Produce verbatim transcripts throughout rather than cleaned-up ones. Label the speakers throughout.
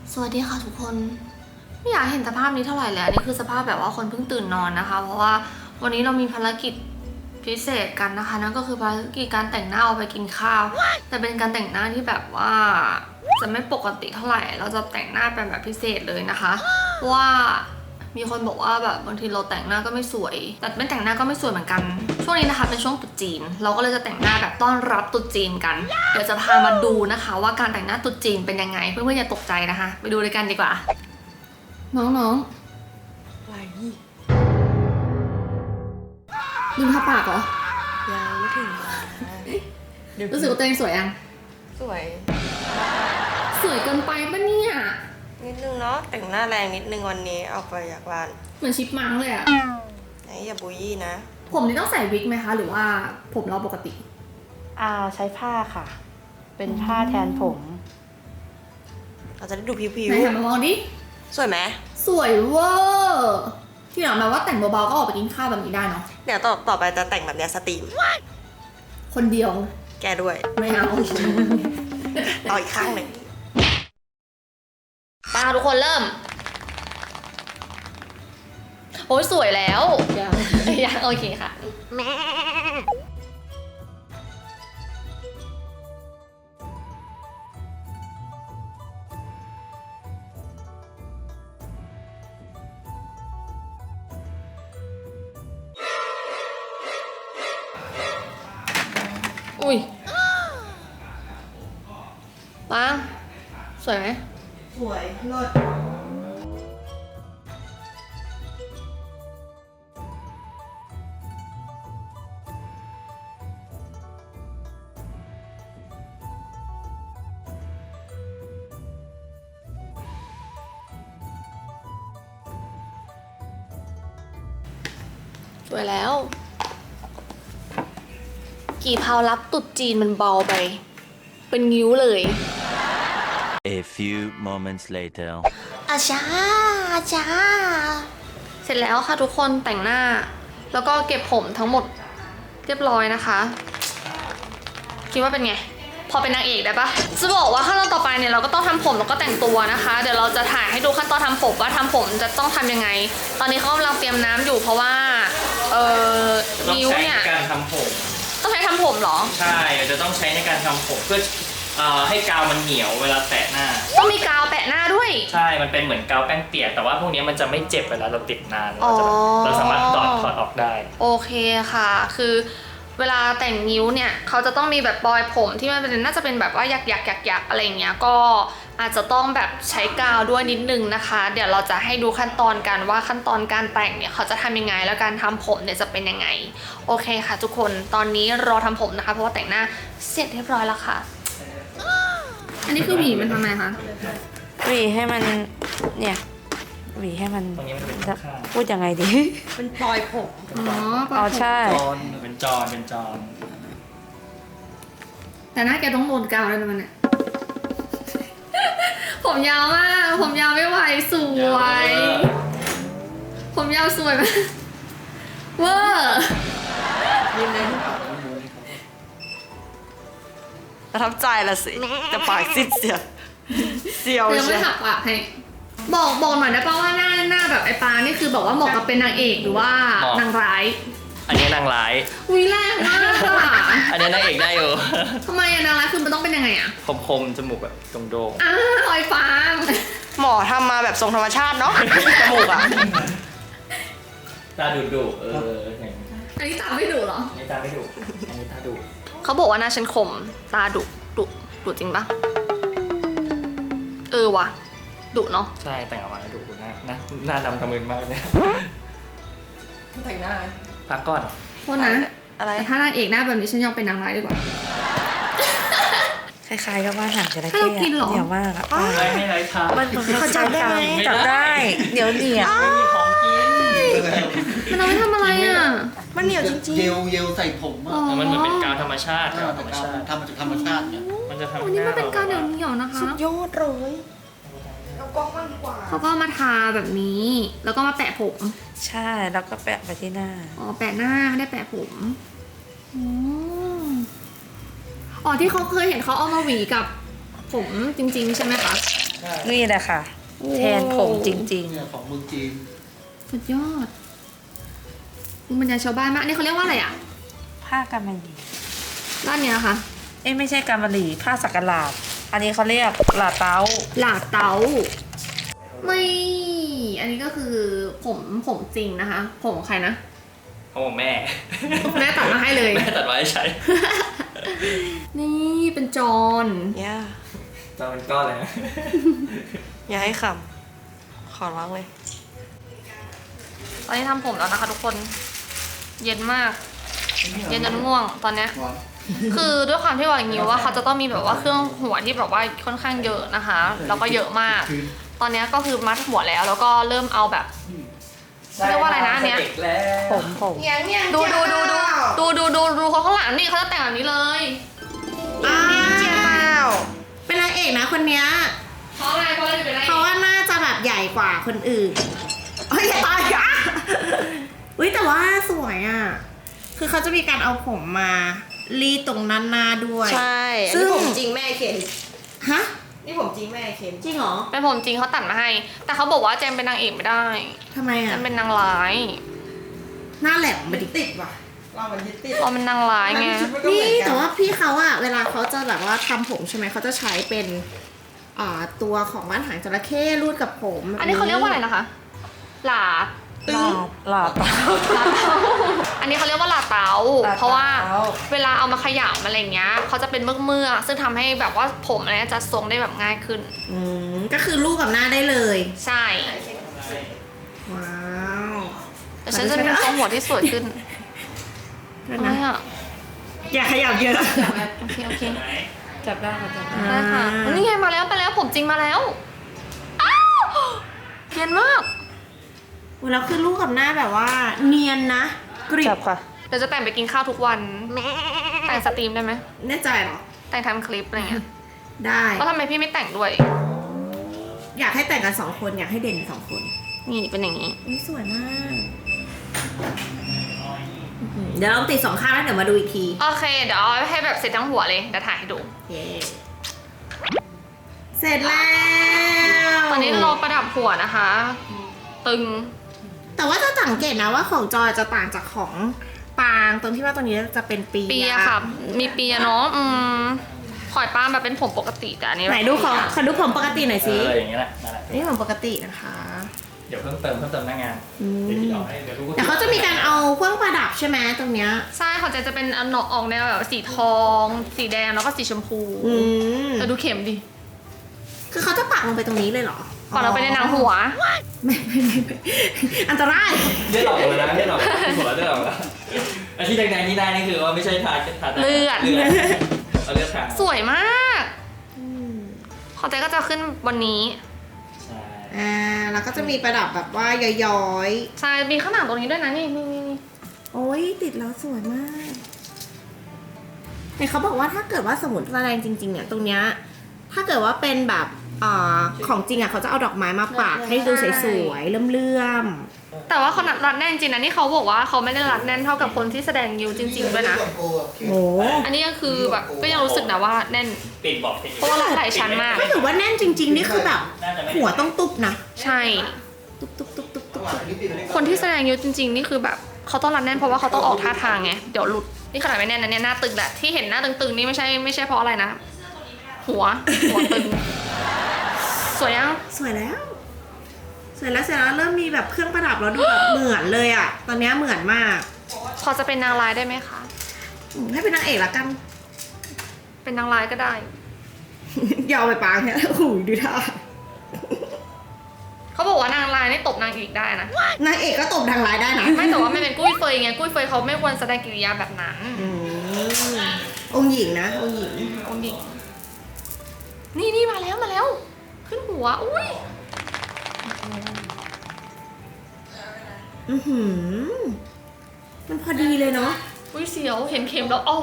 Speaker 1: สวัสดีค่ะทุกคนไม่อยากเห็นสภาพนี้เท่าไหร่เลยอันนี้คือสภาพแบบว่าคนเพิ่งตื่นนอนนะคะ เพราะว่าวันนี้เรามีภารกิจพิเศษกันนะคะนั่นก็คือภารกิจการแต่งหน้าเอาไปกินข้าวแต่เป็นการแต่งหน้าที่แบบว่าจะไม่ปกติเท่าไหร่เราจะแต่งหน้าเป็นแบบพิเศษเลยนะคะเพราะว่ามีคนบอกว่าแบบบางทีเราแต่งหน้าก็ไม่สวยแต่ไม่แต่งหน้าก็ไม่สวยเหมือนกันช่วงนี้นะคะเป็นช่วงตรุษจีนเราก็เลยจะแต่งหน้าแบบต้อนรับตรุษจีนกันเดี๋ยวจะพามาดูนะคะว่าการแต่งหน้าตรุษจีนเป็นยังไงเพื่อนๆอย่าตกใจนะคะไปดูด้วยกันดีกว่าน้องๆอะไรลืมทาปากเหรอ
Speaker 2: ยังไม่ถึง
Speaker 1: รู้สึกว่าตัวเองสวยยัง
Speaker 2: สวย
Speaker 1: สวยเกินไปปะเนี่ย
Speaker 2: นิดนึงเนาะแต่งหน้าแรงนิดนึงวันนี้เอาไปจากร้าน
Speaker 1: เหมือนชิปมังเลยอะ
Speaker 2: ไหนอย่าบูยี่นะ
Speaker 1: ผมนี่ต้องใส่วิกไหมคะ หรือว่าผมเราปกติ
Speaker 3: อ่าใช้ผ้าค่ะ เป็นผ้าแทนผม
Speaker 2: เราจะได้ดูผิว
Speaker 1: ไหนหันมามองดิ
Speaker 2: ๆสวยไหม
Speaker 1: สวยเวอร์ที่หลังแบบว่าแต่งเบาๆก็ออกไปกินข้าวแบบนี้ได้เนาะ
Speaker 2: เดี๋ยวต่อต่อไปจะแต่งแบบเนี้ยสตรีม
Speaker 1: คนเดียว
Speaker 2: แกด้วย
Speaker 1: ไม่เอา
Speaker 2: ต่ออีกข้างหนึ่ง
Speaker 1: ตาทุกคนเริ่ม โอ้ยสวยแล้วยังยังโอเคค่ะแม่อุ้ยปังสวยไหม
Speaker 2: สวยเลิศ
Speaker 1: สวยแล้ว กี่เพารับตุดจีนมันเบาไป เป็นงิ้วเลย
Speaker 4: A few moments later.
Speaker 1: อาชาอาชาเสร็จแล้วค่ะทุกคนแต่งหน้า แล้วก็เก็บผมทั้งหมดเรียบร้อยนะคะ คิดว่าเป็นไง พอเป็นนางเอกได้ปะจะบอกว่าขั้นตอนต่อไปเนี่ยเราก็ต้องทำผมแล้วก็แต่งตัวนะคะ เดี๋ยวเราจะถ่ายให้ดูขั้นตอนทำผมว่าทำผมจะต้องทำยังไง ตอนนี้เขากำลังเตรียมน้ำอยู่เพราะว่าเออนิ้วเนี่ย
Speaker 5: ต้องใช้ในการทำผม
Speaker 1: ต้องใช้ทำผมเหรอ
Speaker 5: ใช่จะต้องใช้ในการทำผมเพื่อเอ่อให้กาวมันเหนียวเวลาแตะหน้า
Speaker 1: ต้องมีกาวแปะหน้าด้วย
Speaker 5: ใช่ มันเป็นเหมือนกาวแป้งเปียกแต่ว่าพวกนี้มันจะไม่เจ็บเวลาเราติดนาน
Speaker 1: อ๋
Speaker 5: เรา
Speaker 1: อ
Speaker 5: จะแบบเราสามารถถอดถอดออกได้
Speaker 1: โอเคค่ะ คือเวลาแต่งนิ้วเนี่ยเขาจะต้องมีแบบปลอยผมที่มันเป็นน่าจะเป็นแบบว่าหยักหยักหยักหยักอะไรเงี้ยก็อาจจะต้องแบบใช้กาวด้วยนิดนึงนะคะ เดี๋ยวเราจะให้ดูขั้นตอนกันว่าขั้นตอนการแต่งเนี่ยเขาจะทำยังไงแล้วการทำผมเนี่ยจะเป็นยังไงโอเคค่ะทุกคนตอนนี้รอทำผมนะคะเพราะว่าแต่งหน้าเสร็จเรียบร้อยแล้วค่ะ อันนี้คือหวีมันทำไมคะ
Speaker 3: หวีให้มันเนี่ยหวีให้มัน
Speaker 5: ตรงนี้มันเป็น
Speaker 3: จะ
Speaker 5: ข้าง
Speaker 3: พูดยังไงดี
Speaker 2: เป็นปลอยผม
Speaker 1: อ๋อ
Speaker 3: อ๋อใช่
Speaker 5: จอนเป็นจอนเป็นจอน
Speaker 1: แต่หน้าแกต้องโดนกาวแล้วนะมันเนี่ย ผมยาวมากผมยาวไม่ไหวสวย ผมยาวสวยมากเวอร์
Speaker 2: ยิ้มเลยประทับใจละสิแต่ปากซิดเสียวเสียว
Speaker 1: ยัง
Speaker 2: ใช่
Speaker 1: ไม่หักปากให้บอกบอกหน่อยได้ป่าว่าหน้าหน้าแบบไอ้ปานี่คือบอกว่าเหมาะกับเป็นนางเอกหรือว่านางร้าย
Speaker 5: อันนี้นางร้าย
Speaker 1: อุ้ยแรงมากอะ
Speaker 5: อันนี้นางเอกได้อยู่
Speaker 1: ทำไมอะนางร้ายคือมันต้องเป็นยังไงอะ
Speaker 5: คมๆจมูกแบบโด่ง
Speaker 1: อ้าวไอ้ฟาง
Speaker 2: หมอทำมาแบบทรงธรรมชาติเนาะจมูกอ่ะ
Speaker 5: ๆตาดุดุๆเอออย่างนี้
Speaker 1: อันนี้ตาไม่ดุเหรอ
Speaker 5: อันนี้ตาไม่ดุอันนี้ตาดุ
Speaker 1: เขาบอกว่าหน้าฉันคมตาดุดุดุจริงปะเออวะดุเนาะ
Speaker 5: ใช่แต่งออกมาดุหน้าหน้าหน้าดำทะมึนมากเลย
Speaker 2: แต่งหน้า
Speaker 5: พักก่อน
Speaker 1: โทษนะ
Speaker 2: อะไร
Speaker 1: แต่ถ้านางเอกหน้าแบบนี้ฉันยอมเป็นนางร้ายดีกว่า
Speaker 3: คล้ายๆกับว่าหางจระ
Speaker 1: ให้
Speaker 3: เข้
Speaker 1: เรากินเหรอ
Speaker 3: เหนียวมากอะ
Speaker 5: ไม่ให้ไรทา
Speaker 3: มันเขาจับได้จับได้เดี๋ยวเหนียว
Speaker 5: ไม่มีของกิน
Speaker 1: มันเอาไปทำอะไรอ่ะ
Speaker 2: มันเหนียวจริง
Speaker 6: เยลเยลใส่ผมอ่ะ
Speaker 1: อ๋อ
Speaker 5: มันเหมือนเป็นกาวธรรมชาติ
Speaker 6: ถ้าก
Speaker 5: าว
Speaker 6: มั
Speaker 5: ธร
Speaker 6: น
Speaker 5: รมชาติ
Speaker 6: ทำมาจากธรรมชาติเนี่ย
Speaker 5: มันจะทำ
Speaker 1: วันนี้มันเป็นการเหนียวเหนียวๆนะคะ
Speaker 2: ๆยอดเลยเอากล้องมากดีกว่า
Speaker 1: เขาก็มาทาแบบนี้ แล้วก็มาแปะผม
Speaker 3: ใช่แล้วก็แปะไปที่หน้า
Speaker 1: อ๋อ แปะหน้าไม่ได้แปะผมอ๋ออ๋อที่เขาเคยเห็นเขาเอามาหวีกับผมจริงๆใช่ไหมคะ
Speaker 6: ใช่
Speaker 3: นี่แหละค่ะ แทนผมจริง
Speaker 6: เนี่ยของเมืองจีน
Speaker 1: สุดยอดภูมิปัญญาชาวบ้านมากอันนี่เขาเรียกว่าอะไรอ่ะ
Speaker 3: ๆ ผ้ากำมะหยี่
Speaker 1: ด้านเนี้ยค่ะ
Speaker 3: เอ้ยไม่ใช่กำมะหยี่ผ้าสักหลาดอันนี้เขาเรียกหลาเต้า
Speaker 1: หลาเตาไม่ อันนี้ก็คือผมผมจริงนะคะ ผมของใครนะ
Speaker 5: เขาบอกแม่
Speaker 1: แม่ตัดมาให้เลย
Speaker 5: แม่ตัดไว้ให้ใช้
Speaker 1: นี่เป็นจอน
Speaker 3: ย่า
Speaker 5: จะเป็นก้อนเลยนะ
Speaker 2: อย่าให้ขำขอร้องเลย
Speaker 1: ตอนนี้ทำผมแล้วนะคะทุกคน เย็นมาก เย็นจนง่วงตอนเนี้ย
Speaker 6: ร้อน
Speaker 1: คือด้วยความที่ว่าอย่างนี้ว่าเขาจะต้องมีแบบว่าเครื่องหัวที่แบบว่าค่อนข้างเยอะนะคะ แล้วก็เยอะมาก ตอนเนี้ยก็คือมัดหัวแล้วแล้วก็เริ่มเอาแบบเรียกว่าอะไรนะอันเนี้ย
Speaker 5: เด็กแล้ว
Speaker 3: ผมผม
Speaker 1: ดูดูดูดูดูดูดูดูเขาข้างหลังนี่เขาจะแต่งแบบนี้เลย
Speaker 7: อ้า
Speaker 3: เจียเปล่า
Speaker 7: เป็นนางเอกนะคนเนี้ย
Speaker 1: เพราะอะไรเพราะอะไรเป็นอะไร
Speaker 7: เพราะว่าน่าจะแบบใหญ่กว่าคนอื่นเฮ้ยอย่าตายอ่ะอุ้ยแต่ว่าสวยอ่ะ คือเขาจะมีการเอาผมมารีดตรงนั้นหน้าด้วย
Speaker 2: ใช่อัน
Speaker 7: ซึ่
Speaker 2: นี้
Speaker 7: ง
Speaker 2: ผมจริงแม่เคน
Speaker 7: ฮะ
Speaker 2: นี่ผมจริงแม่เคน
Speaker 7: จริงเหรอ
Speaker 1: เป็นผมจริงเขาตัดมาให้ แต่เขาบอกว่าเจมเป็นนางเอกไม่ได้
Speaker 7: ทำไม
Speaker 1: เจ
Speaker 7: อ่ะ
Speaker 1: มเป็นนางร้าย
Speaker 7: หน้าแหลมมาดิ
Speaker 6: ติดว่ะเรามันยึดติด
Speaker 1: เราเป็นนางร้ายไง
Speaker 7: นี่แต่ว่าพี่เขาอะเวลาเขาจะแบบว่าทำผมใช่ไหมเขาจะใช้เป็นอ่าตัวของบ้านหางจระเข้รูดกับผมแบบ
Speaker 1: อันนี้เขาเรียกว่าอะไรนะคะ หลา
Speaker 3: หลาหลาเต้า
Speaker 1: ลาเตาอันนี้เขาเรียกว่าลาเตา
Speaker 3: ลาเตา
Speaker 1: เพราะว่าเวลาเอามาขยำอะไรเงี้ยเขาจะเป็นเมือกเมือกๆซึ่งทำให้แบบว่าผมอะไรเงี้ยจะทรงได้แบบง่ายขึ้น
Speaker 7: อืมก็คือรูดกับหน้าได้เลย
Speaker 1: ใช่
Speaker 7: ว้าว
Speaker 1: แต่ฉันจะมีทรงหัวที่สวยขึ้น
Speaker 7: เดี๋ยว
Speaker 1: ทำไม
Speaker 7: นะ
Speaker 1: อ่ะ
Speaker 7: อย่าขยับเยอะ
Speaker 1: โอเคโอเค
Speaker 3: จับได้ค่ะจับได้
Speaker 1: ได้ค่ะนี่ไงมาแล้วมาแล้วผมจริงมาแล้วอ้าวเนียนมาก
Speaker 7: แล้วคือรูดกับหน้าแบบว่า เนียนนะกริ
Speaker 3: จั
Speaker 7: บบ
Speaker 3: ค่ะ
Speaker 1: เดี๋ยวจะแต่งไปกินข้าวทุกวันแต่งสตรีมได้ไหม
Speaker 7: แน่ใจเหรอ
Speaker 1: แต่งทำคลิปอะไรเงี้ย
Speaker 7: ได้
Speaker 1: แล้วทำไมพี่ไม่แต่งด้วย
Speaker 7: อยากให้แต่งกันสองคนอยากให้เด่นสองคน
Speaker 1: นี่เป็นอย่างนี้
Speaker 7: นี่สวยมากอื้อหือเดี๋ยวเราติดสองข้างแล้วเดี๋ยวมาดูอีกที
Speaker 1: โอเค เดี๋ยวเอาให้แบบเสร็จทั้งหัวเลยเดี๋ยวถ่ายให้ดู
Speaker 7: เย้เสร็จแล้ว
Speaker 1: ตอนนี้เราประดับหัวนะคะ ตึง
Speaker 7: แต่ว่าจะสังเกตนะว่าของจอยจะต่างจากของปางตรงที่ว่าตรงนี้จะเป็นปี
Speaker 1: เปียค่ะ มีเปียเนาะอืมขอยป้าแบบเป็นผมปกติแต่อันนี้แบบ
Speaker 7: ไหนดูของขอดูผมปกติหน่อย
Speaker 5: เอ
Speaker 7: สิ
Speaker 5: ออย่างเงี้ยแหละนั่นแหละ
Speaker 7: นี่ผมปกตินะคะ
Speaker 5: เดี๋ยวเพิ่มเติมเพิ่มเติมหน้างาน
Speaker 7: อืม
Speaker 5: เดี๋ยวพี่เอาให้เดี๋ยวรู้
Speaker 7: แต่เขาจะมีการเอาเครื่องประดับใช่ไหมตรงเนี้ย
Speaker 1: ใช่ของเจนจะเป็นอันออกแนวแบบสีทอง สีแดงแล้วก็สีชมพู
Speaker 7: อืม
Speaker 1: แต่ดูเข็มดิ
Speaker 7: คือเขาจะปักลงไปตรงนี้เลยเหรอ
Speaker 1: ก่อนเราไปในหนังหัว
Speaker 7: ไม่ไม่ไม่ไม่อันตราย
Speaker 5: เลือดออกเลยนะเลือดออกหัวเลือดออกแล้วไอ้ที่แดงๆที่ได้นี่คือว่าไม่ใช่ทาทา
Speaker 1: เลือด
Speaker 5: เลือดเอาเลือดทา
Speaker 1: สวยมากของเจนก็จะขึ้นวันนี้
Speaker 5: ใช่
Speaker 7: อ่าแล้วก็จะมีประดับแบบว่าย้อย
Speaker 1: ใช่ มีข้างหลังตรงนี้ด้วยนะนี่นี่นี่นี่
Speaker 7: ๆ โอ้ยติดแล้วสวยมากแต่เขาบอกว่าถ้าเกิดว่าสมุนแสดงจริงๆเนี่ยตรงเนี้ยถ้าเกิดว่าเป็นแบบอ่าของจริงอ่ะเขาจะเอาดอกไม้มาปักให้ดูสวยๆเลื่อม
Speaker 1: แต่ว่าเขารัดแน่นจริงนะนี่เขาบอกว่าเขาไม่ได้รัดแน่นเท่ากับคนที่แสดงยิวจริงๆด้วยนะ
Speaker 7: ๆโอ้
Speaker 1: อันนี้ก็คือแบบก็ยังรู้สึกนะว่าแน่น
Speaker 5: ปิดบอกปิด
Speaker 1: เพราะว่ารัดหลายชั้นมาก
Speaker 7: ถ้าเกิดว่าแน่นจริง ๆ นี่คือแบบ
Speaker 5: น่าจะไม่
Speaker 7: หัวต้องตุบนะ
Speaker 1: ใช่
Speaker 7: ตุบตุบตุบตุบตุบตุบ
Speaker 1: คนที่แสดงยิวจริง ๆ นี่คือแบบเขาต้องรัดแน่นเพราะว่าเขาต้องออกท่าทางไงเดี๋ยวหลุดนี่ขนาดไม่แน่นนะเนี่ยหน้าตึงแหละที่เห็นหน้าตึงๆนี่ไม่ใช่ไม่ใช่เพราะอะไรนะ หัวหัวตึงสวยยัง
Speaker 7: สวยแล้ว สวยแล้วเสร็จแล้วเริ่มมีแบบเครื่องประดับแล้วดูแบบเหมือนเลยอ่ะ ตอนเนี้ยเหมือนมาก
Speaker 1: พอจะเป็นนางร้ายได้ไหมคะ
Speaker 7: อืมให้เป็นนางเอกละกัน
Speaker 1: เป็นนางร้ายก็ได้
Speaker 7: อย่าเอาไปปางเนี่ยโอ้โหดูท่า
Speaker 1: เขาบอกว่านางร้ายนี่ตบนางเอกได้นะ
Speaker 7: นางเอกก็ตบทางร้ายได้นะ
Speaker 1: ไม่แต่ว่าไม่เป็นกุ้ยเฟยไงกุ้ยเฟยเขาไม่ควรแสดงกิริยาแบบนั้น
Speaker 7: อืมองค์หญิงนะ องค์หญิง
Speaker 1: องค์หญิงนี่นี่มาแล้วมาแล้ว ขึ้นหัวอุ้ย
Speaker 7: อือหือ มันพอดีเลยเนาะ
Speaker 1: อุ้ยเสียวเห็นเข็มแล้วอ้าว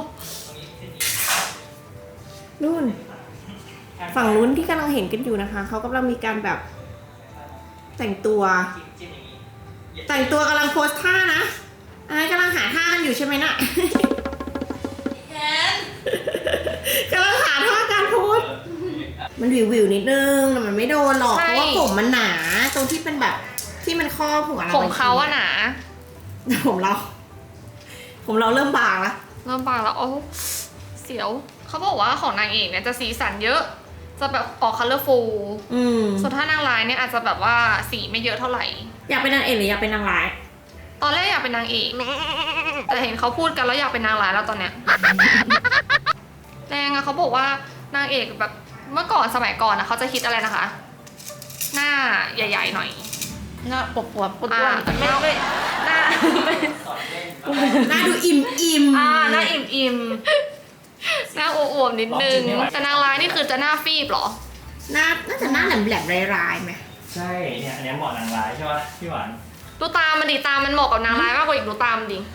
Speaker 7: นู่น ฝั่งลุ้นที่กำลังเห็นกันอยู่นะคะ เขากำลังมีการแบบ แต่งตัว แต่งตัวกำลังโพสท่านะอันนั้นกำลังหาท่ากันอยู่ใช่ไหมน่ะกำลังหาท่าการโพส บมันวิววิวๆนิดนึงแต่มันไม่โดนหรอก
Speaker 1: ใช่
Speaker 7: เพราะว่าผมมันหนาตรงที่เป็นแบบที่มันครอบหัวเรา
Speaker 1: ผมเขาอะหนา
Speaker 7: ผมเรา ผมเราเริ่มบางละ
Speaker 1: เริ่มบางแล้วโอ้เสียวเขาบอกว่าของนางเอกเนี่ยจะสีสันเยอะ จะแบบออกคัลเลอร์ฟูล
Speaker 7: อืม
Speaker 1: ส่วนถ้านางร้ายเนี่ยอาจจะแบบว่าสีไม่เยอะเท่าไหร่
Speaker 7: อยากเป็นนางเอกหรืออยากเป็นนางร้าย
Speaker 1: ตอนแรกอยากเป็นนางเอก แต่เห็นเขาพูดกันแล้วอยากเป็นนางร้ายแล้วตอนเนี้ย แรงอะเขาบอกว่านางเอกแบบเมื่อก่อนสมัยก่อนนะเขาจะคิดอะไรนะคะ หน้าใหญ่ๆหน่อย
Speaker 3: หน้าปวดปวดปวด
Speaker 1: อ่า
Speaker 3: ไม่ไม่หน้าไม่
Speaker 7: หน้าดูอิ่มอิ่มๆ
Speaker 1: อ่าหน้าอิ่มอิ่มๆหน้าอวบๆนิดนึง แต่นางร้ายนี่คือจะหน้าฟีบเหรอ
Speaker 7: หน้าน่าจะหน้าแหลมแหลมๆร้ายๆไหม
Speaker 5: ใช่เนี่ยอันเนี้ยเหมาะนางร้ายใช่ป่ะพี่หวาน
Speaker 1: ดูตามันดิตามันเหมาะกับนางร้ายมากกว่าอีกดูตามันดิ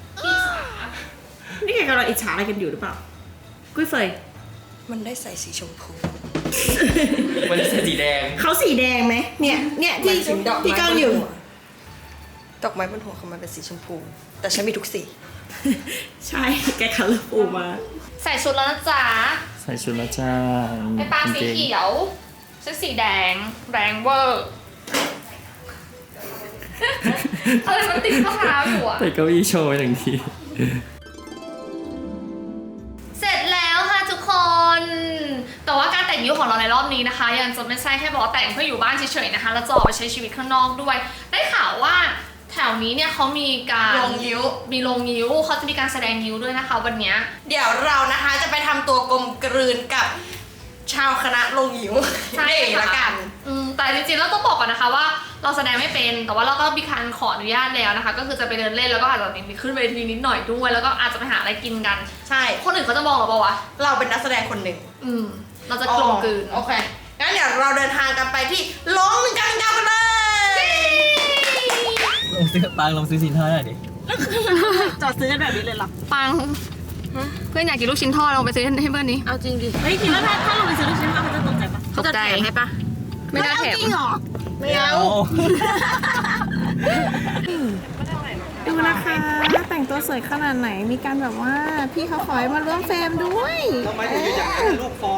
Speaker 7: นี่แกกำลังอิจฉาอะไรกันอยู่หรือเปล่า กุ้ยเฟย
Speaker 2: มันได้ใส่สีชมพู
Speaker 5: มันจะสีแดง
Speaker 7: เขาสีแดงไหมเนี่ย เนี่ยที่
Speaker 2: มันถึงดอกไม้
Speaker 7: ที่กางอยู่
Speaker 2: บนหัวดอกไม้บนหัวของมันเป็นสีชมพู แต่ฉันมีทุกสี
Speaker 7: ใช่ แกคัลเลอร์ฟูมา
Speaker 1: ใส่ชุดแล้วนะจ๊ะ
Speaker 5: ใส่ชุดแล้วจ้า
Speaker 1: ไอ้ปางสีเขียวชุดสีแดงแรงเวอร์อะไรมันติดข้อเท้าอยู่อะ
Speaker 5: แต่เก้าอี้โชว์หนึ่งที
Speaker 1: เสร็จแล้วค่ะทุกคน แต่ว่าการแต่งยิ้วของเราในรอบนี้นะคะ ยังจะไม่ใช่แค่บอกว่าแต่งเพื่ออยู่บ้านเฉยๆนะคะแล้วจะออกไปใช้ชีวิตข้างนอกด้วย ได้ข่าวว่าแถวนี้เนี่ยเขามีการ
Speaker 2: โรงยิ้ว
Speaker 1: มีโรงยิ้วเขาจะมีการแสดงยิ้วด้วยนะคะ วันเนี้ย
Speaker 2: เดี๋ยวเรานะคะจะไปทำตัวกลมกลืนกับชาวคณะลงหิว
Speaker 1: ใช่
Speaker 2: นี่
Speaker 1: ค่ะ
Speaker 2: ละกัน
Speaker 1: อืมแต่จริงๆแล้วต้องบอกก่อนนะคะว่าเราแสดงไม่เป็นแต่ว่าเราก็มีการขออนุญาตแล้วนะคะ ก็คือจะไปเดินเล่นแล้วก็อาจจะมีขึ้นเวทีนิดหน่อยด้วยแล้วก็อาจจะไปหาอะไรกินกัน
Speaker 2: ใช่
Speaker 1: คนอื่นเขาจะมองเราปะวะ
Speaker 2: เราเป็นนักแสดงคนหนึ่ง
Speaker 1: อืมเราจะกลมกลืน
Speaker 2: โอเค งั้นเดี๋ยวเราเดินทางกันไปที่ร้องหนึ่งกันยาวกันเลย
Speaker 5: ลองซื้อปางลองซื้อสินค้าหน่อยดิ
Speaker 7: จอดซื้อกันแบบนี้เลยเหรอ
Speaker 1: ปังเพื่อนอยากกินลูกชิ้นทอดลองไปซื้อให้เพื่อนนี้
Speaker 3: เอาจริงดิ
Speaker 7: เฮ้ยคิดว่าถ้าถ้าเราไปซื้อลูกชิ้นเขาจะตกใจปะ
Speaker 1: เขาจะแถมให้ปะไม่ได้แถม
Speaker 7: จริงเหรอ
Speaker 2: ไม่เอา
Speaker 7: ดูนะคะแต่งตัวสวยขนาดไหนมีการแบบว่าพี่เขาขอให้มาร่วมเฟรมด้วย
Speaker 6: ทำไมถึงอยากให้ลูกฟ้อง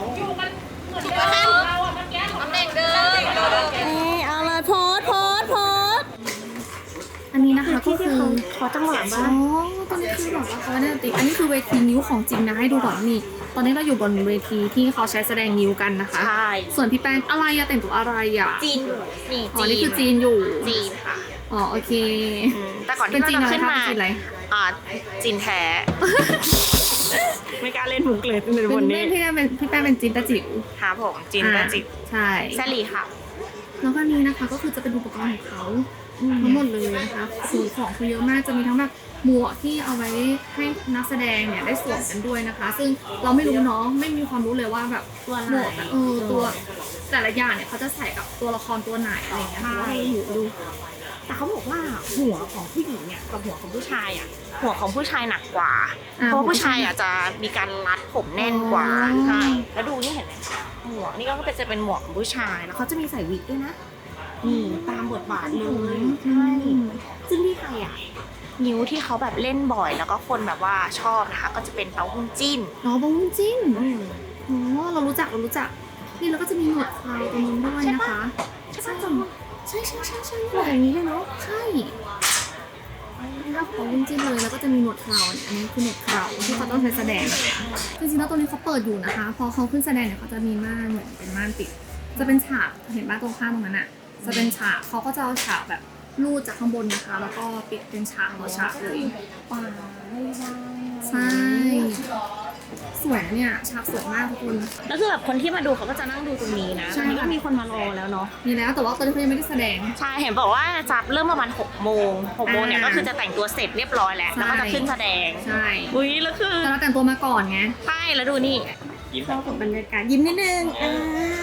Speaker 1: ตำแหน่งเดิม
Speaker 7: เอ้ยเอาเลยโพสโพสโพส
Speaker 1: อันนี้นะคะก็คือ
Speaker 7: ขอจังหวะ
Speaker 1: อ๋
Speaker 7: บ้า
Speaker 1: อง ตอนนี้คือแบบว่าเขาเนี่ยติอันนี้คือเวทีนิ้วของจริงนะให้ดูก่อนนี่ ตอนนี้เราอยู่บนเวทีที่เขาใช้แสดงนิ้วกันนะคะ
Speaker 3: ใช่
Speaker 1: ส่วนพี่แป้งอะไรอะแต่งตัวอะไรอะ
Speaker 3: จีนนี่
Speaker 1: อ๋อ
Speaker 3: จี
Speaker 1: นี่
Speaker 3: น
Speaker 1: คือจีนอยู่
Speaker 3: จีนค่ะ
Speaker 1: อ๋อโอเค
Speaker 3: อืมแต่ก่อน
Speaker 1: เป็น
Speaker 3: ที่
Speaker 1: จีน
Speaker 3: เรา
Speaker 1: อะไร
Speaker 3: จะขึ้น
Speaker 1: คะ
Speaker 3: มา
Speaker 1: เป็นจีนอะไร
Speaker 3: อ่าจีนแท้
Speaker 7: ไม่กล้าเล่นมุกเลยใน
Speaker 1: เป็
Speaker 7: วัน
Speaker 1: น
Speaker 7: นี้
Speaker 1: พี่แป้งเป็นพี่แป้งเป็นจีนตะจิ๋ว
Speaker 3: ค่ะผมจีนแท้จิ๋ว
Speaker 1: ใช่
Speaker 3: แซลีค่ะ
Speaker 1: แล้วก็นี้นะคะก็คือจะเป็นอุปกรณ์ของเขาทั้งหมดเลยนะคะสีของเขาเยอะมากจะมีทั้งแบบหมวกที่เอาไว้ให้นักแสดงเนี่ยได้สวมกันด้วยนะคะ ซึ่งเราไม่รู้เนาะไม่มีความรู้เลยว่าแบบตัวหมวกอะเออตัวแต่ละอย่างเนี่ยเขาจะใส่กับตัวละครตัวไหนอะไรอย่างเงี้ยเพราะว่าเราอยู่ดู
Speaker 3: แต่เขาบอกว่าหัวของผู้หญิงเนี่ยกับหัวของผู้ชายอ่ะ หัวของผู้ชายหนักกว่า
Speaker 1: อ่า
Speaker 3: เพราะว่าผู้ชายอ่ะจะมีการรัดผมแน่นกว่า
Speaker 1: อ๋อ
Speaker 3: ใช่แล้วดูนี่เห็นไหมหมวกนี่ก็เป็นจะเป็นหมวกของผู้ชายแล้วเขาจะมีใส่วิกด้วยนะนี่ตามบทบาทเลยใช่ซึ่งที่ไทยอ่ะนิ้วที่เขาแบบเล่นบ่อยแล้วก็คนแบบว่าชอบนะคะ ก็จะเป็นเต้าหู้จิ้น
Speaker 1: อ๋อบงจิ้น
Speaker 3: อืม
Speaker 1: อ๋อเรารู้จักเรารู้จักนี่แล้วก็จะมีหนวดเคราวตรงนู้นด้วยนะคะ
Speaker 3: ใช่ปะ
Speaker 1: ใช่ใช่ใช่ใช่
Speaker 3: หมวกอย่างนี้เลยเนาะ
Speaker 1: ใช่นี่ก็ของจิ้นเลยแล้วก็จะมีหนวดเคราวอันนี้คือหนวดเคราวที่เขาต้องใช้แสดงจริงๆแล้วตัวนี้เขาเปิดอยู่นะคะ พอเขาขึ้นแสดงเนี่ยเขาจะมีม่านเหมือนเป็นม่านปิด จะเป็นฉากเห็นบ้านตรงข้ามตรงนั้นอ่ะ จะเป็นฉากเขาก็จะเอาฉากแบบลูดจากข้างบนนะคะ แล้วก็ปิดเป็นฉากต่อฉากเลย
Speaker 3: ป่าไม่ได้
Speaker 1: ใช่ สวยนะเนี่ยฉากสวยมากทุกคน
Speaker 3: แล้วคือแบบคนที่มาดูเขาก็จะนั่งดูตรงนี้นะ
Speaker 1: ใช่
Speaker 3: ตอนนี้ก็มีคนมารอแล้วเนาะ
Speaker 1: มีแล้วแต่ว่าตอนนี้เขายังไม่ได้แสดง
Speaker 3: ใช่ เห็นบอกว่าจะเริ่มประมาณหกโมงหกโมงเนี่ย
Speaker 1: อ่า
Speaker 3: ก็คือจะแต่งตัวเสร็จเรียบร้อยแล้ว
Speaker 1: ใช่
Speaker 3: แล้วก็จะขึ้นแสดง
Speaker 1: ใช่
Speaker 3: อุ้ยแล้วคือ
Speaker 1: แต่เราแต่งตัวมาก่อนไง
Speaker 3: ใช่ แล้วดูนี่
Speaker 5: ยิ้ม
Speaker 7: เข้ากับบรรยากาศยิ้มนิดนึงอ่า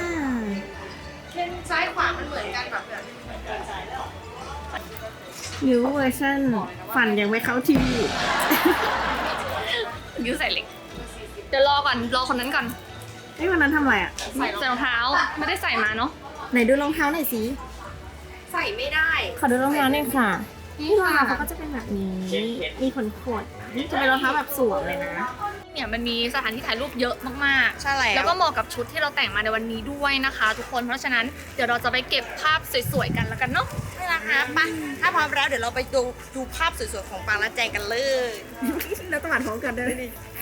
Speaker 2: ซ้ายขวามันเหมือนกันแบบ
Speaker 7: นิ้วเวอร์ชันฟันยังไม่เข้าที่
Speaker 1: ยิ้วใส่เหล็ก เดี๋ยวรอก่อน รอคนนั้นก่อน
Speaker 7: ไอ้ยวันนั้นทำอะไรอ่ะ
Speaker 1: ใส่รองเท้า ไม่ได้ใส่มาเนาะ
Speaker 7: ไหนดูรองเท้าหน่อยสิ
Speaker 2: ใส่ไม่ได้
Speaker 7: ขอดูรองเท้าหน่อยค่ะนี่รองเท้าเขาก็จะเป็นแบบนี้ มีขนขดจะเป็นรองเท้าแบบสวมเลยนะ
Speaker 1: เนี่ยมันมีสถานที่ถ่ายรูปเยอะมากๆ
Speaker 3: ใช่แล้ว
Speaker 1: แล้วก็เหมาะกับชุดที่เราแต่งมาในวันนี้ด้วยนะคะ ทุกคนเพราะฉะนั้นเดี๋ยวเราจะไปเก็บภาพสวยๆกันแล้วกันเนาะ
Speaker 3: ใช่แล้วค่ะไปถ้าพร้อมแล้วเดี๋ยวเราไปดูดูภาพสวยๆของปางและแจงกันเลย
Speaker 7: แล้วต้องอ่านพร้อมกันด้วยดิ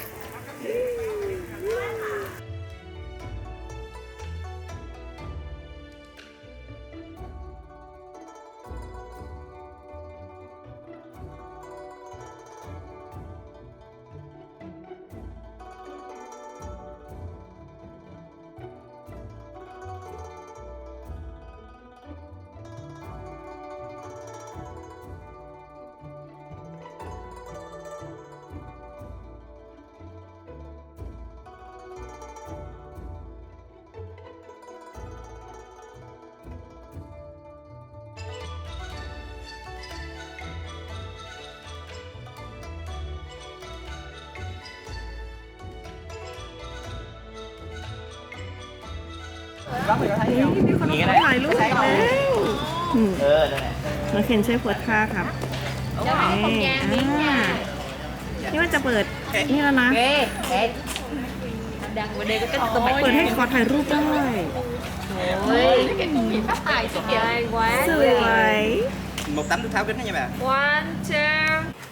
Speaker 5: มีคนนี้ก็ได้
Speaker 7: ถ่ายรูปแล้ว
Speaker 5: เออนั่นแหละ
Speaker 7: น้องเคนช่วยโพสท่าครับนี่อ่านี่ว่าจะเปิดนี่แล้วนะเปิดให้ขอถ่ายรูปด้วยสวย
Speaker 6: một tấm nước tháo kính đó nha bà.
Speaker 1: one two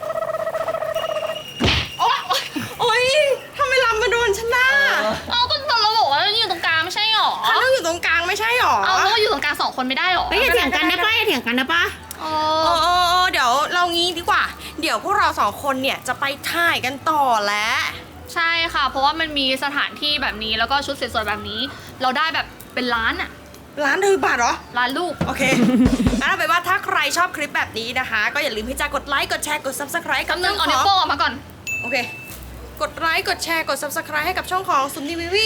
Speaker 3: โอ๊ยทำไมลำมาโดนฉันน่ะ
Speaker 1: เอาก็ตอนเราบอกว่าเราอยู่ตรงกลางไม่ใช่หรอ
Speaker 3: ฉันต้องอยู่ตรงกลางไม่ใช่หรอ
Speaker 1: เอาแล้วก็อยู่ตรงกลางสองคนไม่ได้หรอ
Speaker 7: เฮ้ยอย่าเถียงกันนะป้าอย่าเถียงกันนะป้า
Speaker 1: โอ้
Speaker 3: โอ้โอ้โอ้เดี๋ยวเรางี้ดีกว่า เดี๋ยวพวกเราสองคนเนี่ยจะไปถ่ายกันต่อแล้ว
Speaker 1: ใช่ค่ะ เพราะว่ามันมีสถานที่แบบนี้แล้วก็ชุดสวยๆแบบนี้ เราได้แบบเป็นล้านอะ
Speaker 3: ร้านถือบาทเหรอ
Speaker 1: ล้านลูก
Speaker 3: โอเค งั้นเอาไปนว่าถ้าใครชอบคลิปแบบนี้นะคะ ก็อย่าลืมที่จะกดไลค์ กดแชร์ กด subscribe กับ
Speaker 1: กำลั
Speaker 3: ช่อง ง
Speaker 1: เอา
Speaker 3: ข
Speaker 1: นิ้ว
Speaker 3: อง
Speaker 1: โป้งออกมาก่อน
Speaker 3: โอเค กดไลค์ กดแชร์ กด subscribe ให้กับช่องของซุมนีวิวี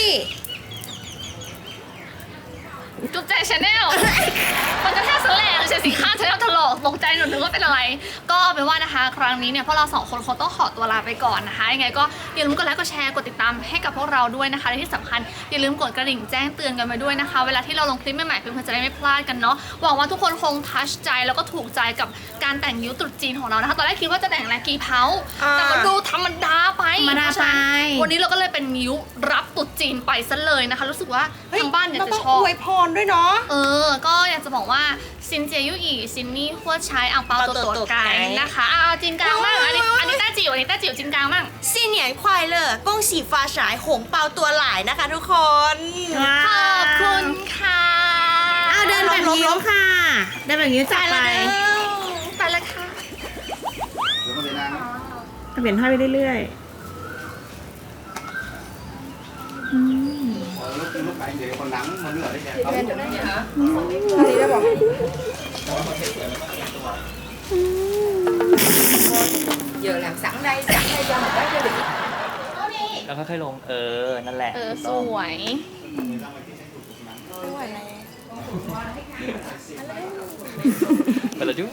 Speaker 1: จุ๊บใจชาแนล มันก็แค่สแลงเฉยสีข้างชาแนลถลอกตกใจหนูนึกว่าเป็นอะไร ก็เอาเป็นว่านะคะ ครั้งนี้เนี่ยพวกเราสองคนคงต้องขอตัวลาไปก่อนนะคะ ยังไงก็อย่าลืมกดไลค์ กดแชร์ กดติดตามให้กับพวกเราด้วยนะคะ และที่สำคัญอย่าลืมกดกระดิ่งแจ้งเตือนกันมาด้วยนะคะ เวลาที่เราลงคลิปใหม่ๆเพื่อนๆจะได้ไม่พลาดกันเนาะ หวังว่าทุกคนคงทัชใจแล้วก็ถูกใจกับการแต่งยิ้วตรุษจีนของเรานะคะ ตอนแรกคิดว่าจะแต่งอะไรกีเพาแต่มันดูธรรมดาไป
Speaker 7: ธรรมดาไป
Speaker 1: วันนี้เราก็เลยเป็นยิ้วรับตรุษจีนไปซะเลยนะคะ รู้สึกว่าทางบ้านเนี่ย
Speaker 3: เรา
Speaker 1: จะ
Speaker 3: ต้อง
Speaker 1: ชอบ
Speaker 3: อวยพรด้วยเนาะ
Speaker 1: เออ ก็อยากจะบอกว่าซินเจียยุอีซินนี่หัวใช้อ่างเปาตัวตัวไก่นะคะอ่าจินกลางมั่งอันนี้อันนี้ต้าจิ๋วอันนี้ต้าจิ๋วจินกลางมั่ง
Speaker 3: ซีเนียนควายเลอร์กงสีฟ้าฉายหงเปาตัวหลายนะคะทุกคน
Speaker 1: ขอบคุณค่ะ
Speaker 7: เอาเดินแบบนิ้วค่ะ เดินแบบนิ้วจับไป
Speaker 1: ไปเลยค่ะ
Speaker 7: เปลี่ยนท่าไปเรื่อย
Speaker 6: lúc lúc bạn vậy còn nắng mà nó ở đây kìa.
Speaker 3: giờ làm sẵn đây sẵn đây cho một cái cho đi
Speaker 5: แล้วค่อยๆลง เออ นั่นแหละ
Speaker 1: เออ
Speaker 5: ถูก
Speaker 1: ส
Speaker 5: ต้อง
Speaker 1: วย
Speaker 5: ไปแล้วจุ๊บ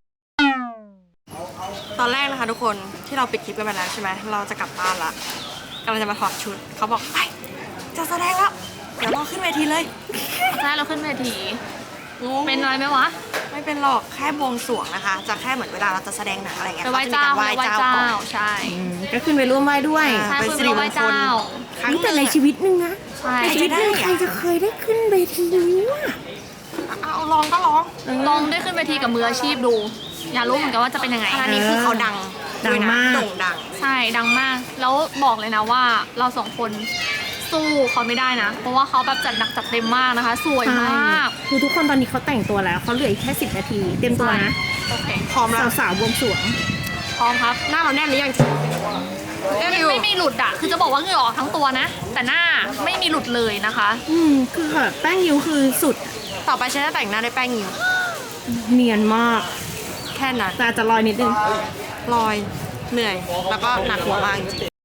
Speaker 3: ตอนแรกนะคะทุกคนที่เราปิดคลิปกันไปแล้วใช่ไหมเราจะกลับบ้านละกำลังจะมาถอดชุดเขาบอกไปจะแสดงแล้วเดี๋ยวเราขึ้นเวทีเลย
Speaker 1: ใช่เราขึ้นเวที
Speaker 3: งง
Speaker 1: เป็นอะไรไหมวะ
Speaker 3: ไม่เป็นหรอกแค่บวงสรวงนะคะ จะแค่เหมือนเวลาเราจะแสดงหนังอะไรเงี้ย
Speaker 1: ไปไหว้เจ้า
Speaker 3: ข
Speaker 1: ไป
Speaker 3: จะมี
Speaker 1: ไหว้
Speaker 3: กร
Speaker 1: เจ้า
Speaker 3: ก่อน
Speaker 1: ใช่
Speaker 7: ๆอืมก็ขึ้นไปร่วมไหว้ด้วย
Speaker 3: อ่า
Speaker 1: ใช่
Speaker 3: เป็น
Speaker 1: คือ
Speaker 3: สิริ
Speaker 1: ไปไห
Speaker 3: ม
Speaker 1: ว้
Speaker 3: งคล
Speaker 1: เจ้า
Speaker 3: ครั้ง
Speaker 7: นี่
Speaker 3: ห
Speaker 7: แต่
Speaker 3: นึ่ง
Speaker 7: ในชีวิตหนึงนะ
Speaker 1: ใช่
Speaker 7: ในชีวิตหนึงใครจะเคยได้ขึ้นเวทีนิ้วอะ
Speaker 3: เอาลองก็ลอง
Speaker 1: ลองได้ขึ้นเวทีกับมืออาชีพดู อยากรู้เหมือนกันว่าจะเป็นยังไง
Speaker 3: อันนี้คือเขาดัง
Speaker 7: ดังมาก
Speaker 3: โด่งดัง
Speaker 1: ใช่ดังมาก แล้วบอกเลยนะว่าเราสองคนสู้เขาไม่ได้นะ เพราะว่าเขาแบบจัดหนักจัดเต็มมากนะคะ สวยมาก
Speaker 7: คือทุกคนตอนนี้เขาแต่งตัวแล้วเขาเหลืออีกแค่สิบนาที เต็มตัวนะ
Speaker 1: โอเค
Speaker 3: พร้อมแล้ว
Speaker 7: สาวๆบวงสรวง
Speaker 1: พร้อมครับ
Speaker 3: หน้าเราแน่นหรือยังแน่น
Speaker 1: ไม่
Speaker 3: อยู่
Speaker 1: ไม่มีหลุดอะคือจะบอกว่าเหงื่อออกทั้งตัวนะ แต่หน้าไม่มีหลุดเลยนะคะ
Speaker 7: อืมคือแบบแป้งยิ้วคือสุด
Speaker 3: ต่อไปฉันจะแต่งหน้าด้วยแป้งยิ้ว
Speaker 7: เนียนมาก
Speaker 3: แค่นั้น
Speaker 7: แต่อาจจะลอยนิดนึง
Speaker 3: ลอยเหนื่อยแล้วก็หนักหัวมากจริง